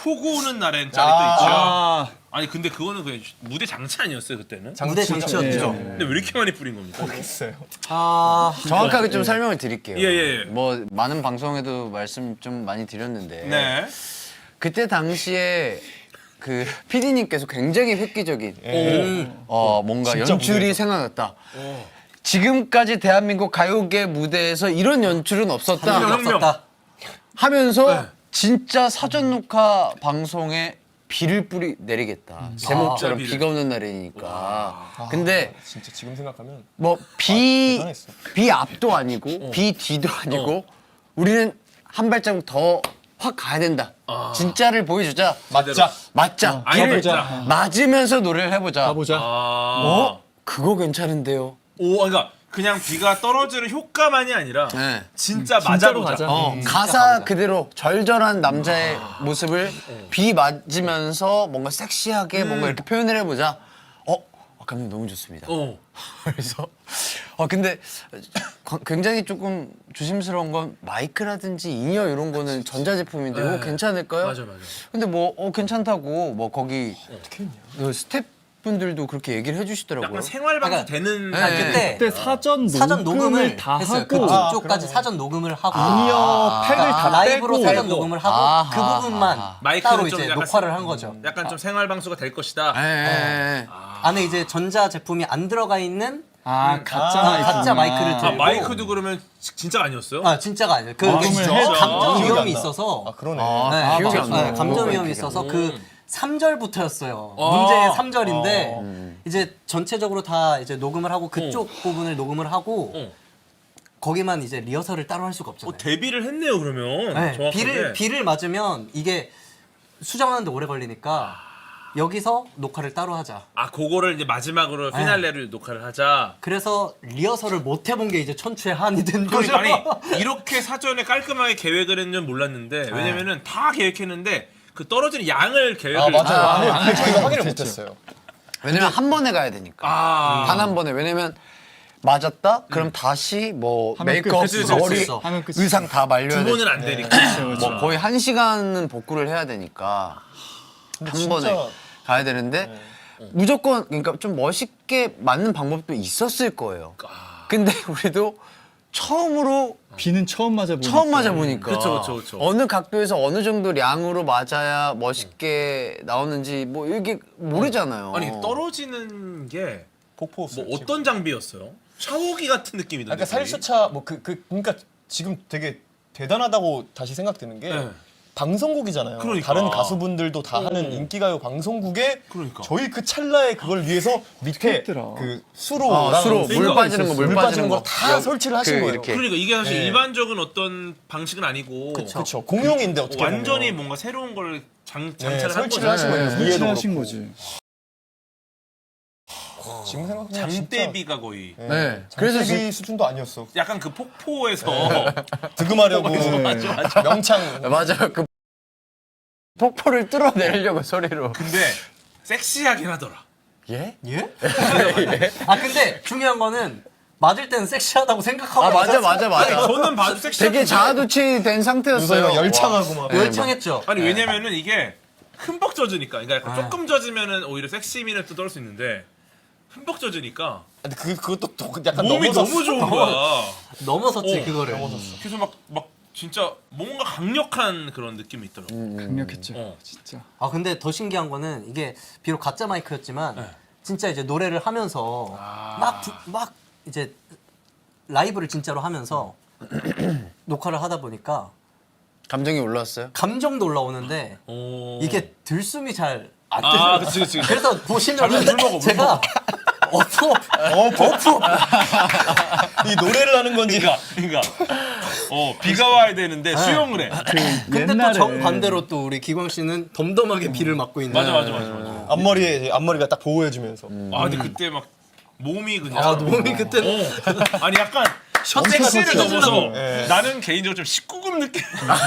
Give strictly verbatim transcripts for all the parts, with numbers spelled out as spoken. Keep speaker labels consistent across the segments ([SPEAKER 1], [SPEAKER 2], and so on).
[SPEAKER 1] 폭우 오는 날엔 짤이 또 있죠. 아. 아니 근데 그거는 그냥 무대 장치 아니었어요 그때는?
[SPEAKER 2] 무대 장치였죠.
[SPEAKER 1] 근데 왜 이렇게 많이 뿌린 겁니까?
[SPEAKER 3] 모르겠어요.
[SPEAKER 2] 아
[SPEAKER 4] 정확하게 좀 설명을 드릴게요.
[SPEAKER 1] 예, 예, 예.
[SPEAKER 4] 뭐 많은 방송에도 말씀 좀 많이 드렸는데
[SPEAKER 1] 네.
[SPEAKER 4] 그때 당시에 그 피디님께서 굉장히 획기적인
[SPEAKER 1] 오.
[SPEAKER 4] 어 뭔가
[SPEAKER 3] 진짜
[SPEAKER 4] 연출이
[SPEAKER 3] 무대에서.
[SPEAKER 4] 생각났다. 지금까지 대한민국 가요계 무대에서 이런 연출은 없었다.
[SPEAKER 1] 혁명.
[SPEAKER 4] 하면서
[SPEAKER 1] 네.
[SPEAKER 4] 진짜 사전 녹화 방송에 비를 뿌리 내리겠다. 제목처럼
[SPEAKER 1] 아, 비를.
[SPEAKER 4] 비가 오는 날이니까. 근데
[SPEAKER 3] 진짜 지금 생각하면
[SPEAKER 4] 뭐 비
[SPEAKER 3] 대단했어.
[SPEAKER 4] 비 앞도 아니고 비 뒤도 아니고 우리는 한 발자국 더 확 가야 된다. 진짜를 보여주자.
[SPEAKER 3] 맞자.
[SPEAKER 4] 맞자.
[SPEAKER 1] 아예
[SPEAKER 4] 비를
[SPEAKER 1] 맞자.
[SPEAKER 4] 맞으면서 노래를 해보자.
[SPEAKER 3] 가보자.
[SPEAKER 1] 아.
[SPEAKER 4] 어? 그거 괜찮은데요.
[SPEAKER 1] 오, 그러니까 그냥 비가 떨어지는 효과만이 아니라
[SPEAKER 4] 네.
[SPEAKER 1] 진짜 맞아보자.
[SPEAKER 3] 맞아.
[SPEAKER 4] 어, 가사 그대로 절절한 남자의 모습을 비 맞으면서 뭔가 섹시하게 뭔가 이렇게 표현을 해보자. 어, 아, 감독님 너무 좋습니다.
[SPEAKER 1] 어.
[SPEAKER 4] 그래서 어 근데 과- 굉장히 조금 조심스러운 건 마이크라든지 인이어 이런 거는 전자제품인데 이거 괜찮을까요?
[SPEAKER 1] 맞아, 맞아.
[SPEAKER 4] 근데 뭐 어 괜찮다고 뭐 거기 그 스태프분들도 그렇게 얘기를 해주시더라고요.
[SPEAKER 1] 약간 생활방송
[SPEAKER 2] 그러니까-
[SPEAKER 1] 되는
[SPEAKER 2] 아, 그때
[SPEAKER 5] 그때 사전
[SPEAKER 2] 사전
[SPEAKER 5] 녹음을
[SPEAKER 2] 녹음을
[SPEAKER 5] 다
[SPEAKER 2] 했어요.
[SPEAKER 5] 하고
[SPEAKER 2] 그쪽까지 사전 녹음을 하고
[SPEAKER 5] 인이어 팩을 다
[SPEAKER 2] 라이브로
[SPEAKER 5] 빼고
[SPEAKER 2] 사전 녹음을 하고
[SPEAKER 4] 아하.
[SPEAKER 2] 그 부분만
[SPEAKER 1] 마이크를
[SPEAKER 2] 따로
[SPEAKER 1] 좀
[SPEAKER 2] 이제
[SPEAKER 1] 약간
[SPEAKER 2] 녹화를
[SPEAKER 1] 세-
[SPEAKER 2] 한 거죠.
[SPEAKER 1] 약간 좀 생활방송가 될 것이다.
[SPEAKER 4] 예, 예, 예.
[SPEAKER 2] 안에 이제 전자 제품이 안 들어가 있는
[SPEAKER 5] 아 가짜
[SPEAKER 2] 아,
[SPEAKER 5] 마이크
[SPEAKER 2] 가짜 마이크를
[SPEAKER 1] 아,
[SPEAKER 2] 들고
[SPEAKER 1] 마이크도 그러면 지- 진짜가 아니었어요?
[SPEAKER 2] 아 진짜가 아니에요. 그
[SPEAKER 1] 진짜?
[SPEAKER 2] 감정
[SPEAKER 3] 기억이
[SPEAKER 2] 위험이
[SPEAKER 3] 안 나.
[SPEAKER 2] 있어서
[SPEAKER 3] 아 그러네.
[SPEAKER 2] 네,
[SPEAKER 4] 기억이 안
[SPEAKER 2] 네,
[SPEAKER 4] 나요.
[SPEAKER 2] 감정
[SPEAKER 4] 그거
[SPEAKER 2] 위험이
[SPEAKER 4] 기억이
[SPEAKER 2] 있어서
[SPEAKER 1] 안
[SPEAKER 2] 그
[SPEAKER 1] 나.
[SPEAKER 2] 삼 절부터였어요.
[SPEAKER 1] 아.
[SPEAKER 2] 문제의 삼 절인데 이제 전체적으로 다 이제 녹음을 하고 그쪽 부분을 녹음을 하고
[SPEAKER 1] 어.
[SPEAKER 2] 거기만 이제 리허설을 따로 할 수가
[SPEAKER 1] 어,
[SPEAKER 2] 없잖아요.
[SPEAKER 1] 데뷔를 했네요 그러면.
[SPEAKER 2] 네,
[SPEAKER 1] 정확하게.
[SPEAKER 2] 비를 비를 맞으면 이게 수정하는데 오래 걸리니까 여기서 녹화를 따로 하자.
[SPEAKER 1] 아 그거를 이제 마지막으로
[SPEAKER 2] 네.
[SPEAKER 1] 피날레를 녹화를 하자.
[SPEAKER 2] 그래서 리허설을 못 해본 게 이제 천추의 한이 된 거죠.
[SPEAKER 1] 그러니까 아니 이렇게 사전에 깔끔하게 계획을 했는 줄 몰랐는데 왜냐면은 다 계획했는데 그 떨어지는 양을 계획을
[SPEAKER 3] 아 맞아요.
[SPEAKER 4] 아,
[SPEAKER 3] 아니,
[SPEAKER 4] 아,
[SPEAKER 3] 그걸 저희가 확인을 못했어요.
[SPEAKER 4] 왜냐면 한 번에 가야 되니까.
[SPEAKER 1] 아.
[SPEAKER 4] 단 한 번에. 왜냐면 맞았다? 그럼 다시 뭐
[SPEAKER 5] 하면 끝.
[SPEAKER 4] 메이크업,
[SPEAKER 1] 그치, 그치,
[SPEAKER 4] 머리,
[SPEAKER 1] 그치.
[SPEAKER 5] 하면 끝이지.
[SPEAKER 4] 의상 다 말려야
[SPEAKER 1] 두 번은
[SPEAKER 4] 돼.
[SPEAKER 1] 안 되니까.
[SPEAKER 4] 뭐 거의 한 시간은 복구를 해야 되니까 한
[SPEAKER 3] 진짜-
[SPEAKER 4] 번에 가야 되는데 무조건 그러니까 좀 멋있게 맞는 방법도 있었을 거예요. 근데 우리도 처음으로
[SPEAKER 5] 비는 처음 맞아 보니까
[SPEAKER 4] 처음 맞아 보니까
[SPEAKER 1] 그쵸, 그쵸, 그쵸.
[SPEAKER 4] 어느 각도에서 어느 정도 량으로 맞아야 멋있게 나오는지 뭐 이게 모르잖아요.
[SPEAKER 1] 아니 떨어지는 게 뭐
[SPEAKER 3] 폭포.
[SPEAKER 1] 어떤 장비였어요? 샤워기 같은 느낌이던데.
[SPEAKER 3] 그러니까 살수차 뭐 그 그 그러니까 지금 되게 대단하다고 다시 생각되는 게
[SPEAKER 1] 네.
[SPEAKER 3] 방송국이잖아요.
[SPEAKER 1] 그러니까.
[SPEAKER 3] 다른 가수분들도 다 하는 인기가요 방송국에
[SPEAKER 1] 그러니까.
[SPEAKER 3] 저희 그 찰나에 그걸 위해서 밑에
[SPEAKER 5] 있더라.
[SPEAKER 3] 그 수로
[SPEAKER 4] 아, 수로 물 빠지는 거, 물
[SPEAKER 3] 물
[SPEAKER 4] 빠지는
[SPEAKER 3] 빠지는
[SPEAKER 4] 거.
[SPEAKER 3] 거 다 설치를 하신
[SPEAKER 4] 그
[SPEAKER 3] 거예요.
[SPEAKER 4] 이렇게.
[SPEAKER 1] 그러니까 이게 사실
[SPEAKER 3] 네.
[SPEAKER 1] 일반적인 어떤 방식은 아니고
[SPEAKER 3] 그렇죠. 공용인데 어떻게
[SPEAKER 1] 완전히
[SPEAKER 3] 보면.
[SPEAKER 1] 뭔가 새로운 걸 장,
[SPEAKER 3] 네,
[SPEAKER 1] 장착을 한
[SPEAKER 3] 설치를
[SPEAKER 1] 거죠.
[SPEAKER 3] 하신 거예요.
[SPEAKER 4] 네,
[SPEAKER 3] 위에도
[SPEAKER 5] 설치하신
[SPEAKER 3] 그렇고.
[SPEAKER 5] 거지.
[SPEAKER 3] 지금 생각하면
[SPEAKER 1] 장대비가 거의
[SPEAKER 3] 진짜,
[SPEAKER 4] 네.
[SPEAKER 3] 네.
[SPEAKER 4] 그래서
[SPEAKER 3] 장대비 수준도 아니었어.
[SPEAKER 1] 약간 그 폭포에서
[SPEAKER 3] 득음하려고 명창
[SPEAKER 4] 맞아요. 그 폭포를 뚫어내려고 소리로.
[SPEAKER 1] 근데 섹시하긴 하더라.
[SPEAKER 4] 예?
[SPEAKER 2] 예? 아 근데 중요한 거는 맞을 때는 섹시하다고 생각하고
[SPEAKER 4] 아 맞아
[SPEAKER 2] 맞았어요.
[SPEAKER 4] 맞아 맞아.
[SPEAKER 1] 저는 봐도 섹시한
[SPEAKER 4] 되게 자아도취 된 상태였어요.
[SPEAKER 3] 누가 열창하고 막.
[SPEAKER 2] 열창했죠.
[SPEAKER 1] 아니 왜냐면은 이게 흠뻑 젖으니까 그러니까 약간 조금 젖으면은 오히려 섹시미는 또 떨 수 있는데 흠뻑 젖으니까
[SPEAKER 3] 근데 그 그것도 또 약간
[SPEAKER 1] 몸이
[SPEAKER 3] 넘어섰어.
[SPEAKER 1] 너무 좋은 거야.
[SPEAKER 2] 넘어섰지
[SPEAKER 1] 어,
[SPEAKER 2] 그거를.
[SPEAKER 1] 그래서 막 막 진짜 뭔가 강력한 그런 느낌이 있더라고.
[SPEAKER 5] 강력했죠.
[SPEAKER 1] 어.
[SPEAKER 5] 진짜.
[SPEAKER 2] 아 근데 더 신기한 거는 이게 비록 가짜 마이크였지만
[SPEAKER 1] 네.
[SPEAKER 2] 진짜 이제 노래를 하면서
[SPEAKER 1] 아.
[SPEAKER 2] 막 막 이제 라이브를 진짜로 하면서 녹화를 하다 보니까
[SPEAKER 4] 감정이 올라왔어요?
[SPEAKER 2] 감정도 올라오는데
[SPEAKER 1] 오.
[SPEAKER 2] 이게 들숨이 잘 안
[SPEAKER 1] 아,
[SPEAKER 2] 들려요.
[SPEAKER 1] 그치, 그치, 그치.
[SPEAKER 2] 그래서
[SPEAKER 1] 잠깐
[SPEAKER 2] 보시면
[SPEAKER 1] 물 먹어, 물
[SPEAKER 2] 제가 어프
[SPEAKER 3] 이 노래를 하는 건지.
[SPEAKER 1] 그러니까 그러니까 어 비가 와야 되는데 수영을 해.
[SPEAKER 2] 근데 또
[SPEAKER 5] 옛날에
[SPEAKER 2] 정반대로 또 우리 기광 씨는 덤덤하게 비를 맞고 있는
[SPEAKER 1] 맞아 맞아 맞아 맞아.
[SPEAKER 3] 앞머리에 이제 앞머리가 딱 보호해주면서.
[SPEAKER 1] 아 근데 그때 막 몸이 그냥
[SPEAKER 2] 아 몸이 그때는
[SPEAKER 1] 어. 아니 약간
[SPEAKER 2] 셔츠가
[SPEAKER 1] 섹시를 넘어서
[SPEAKER 3] 네.
[SPEAKER 1] 나는 개인적으로 좀 십구 금 느낌.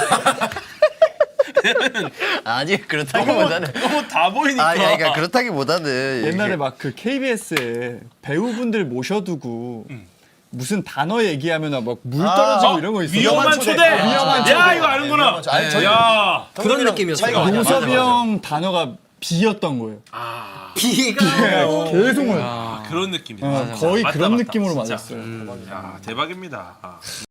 [SPEAKER 4] 아니
[SPEAKER 1] 너무
[SPEAKER 4] 그렇다기보다는
[SPEAKER 1] 너무 다 보이니까.
[SPEAKER 4] 아니 그러니까 그렇다기보다는
[SPEAKER 5] 옛날에 막 그 케이비에스에 배우분들 모셔두고 무슨 단어 얘기하면 막물 떨어지고
[SPEAKER 3] 아,
[SPEAKER 5] 이런 거 있어요.
[SPEAKER 1] 위험한
[SPEAKER 3] 위험한
[SPEAKER 1] 초대.
[SPEAKER 3] 초대. 위험한
[SPEAKER 1] 야
[SPEAKER 3] 초대.
[SPEAKER 1] 이거 아는구나.
[SPEAKER 3] 위험한 초대. 아니, 저희-
[SPEAKER 1] 야.
[SPEAKER 2] 그런
[SPEAKER 3] 형님이랑
[SPEAKER 2] 느낌이었어요.
[SPEAKER 3] 차이가 많이
[SPEAKER 5] 용섭이
[SPEAKER 3] 나요.
[SPEAKER 5] 형 단어가 비였던 거예요.
[SPEAKER 2] 비가
[SPEAKER 5] 계속
[SPEAKER 1] 아, 그런 느낌이다.
[SPEAKER 5] 어, 거의
[SPEAKER 1] 맞다,
[SPEAKER 5] 그런
[SPEAKER 1] 맞다.
[SPEAKER 5] 느낌으로
[SPEAKER 1] 진짜.
[SPEAKER 5] 맞았어요.
[SPEAKER 1] 야 대박입니다. 아.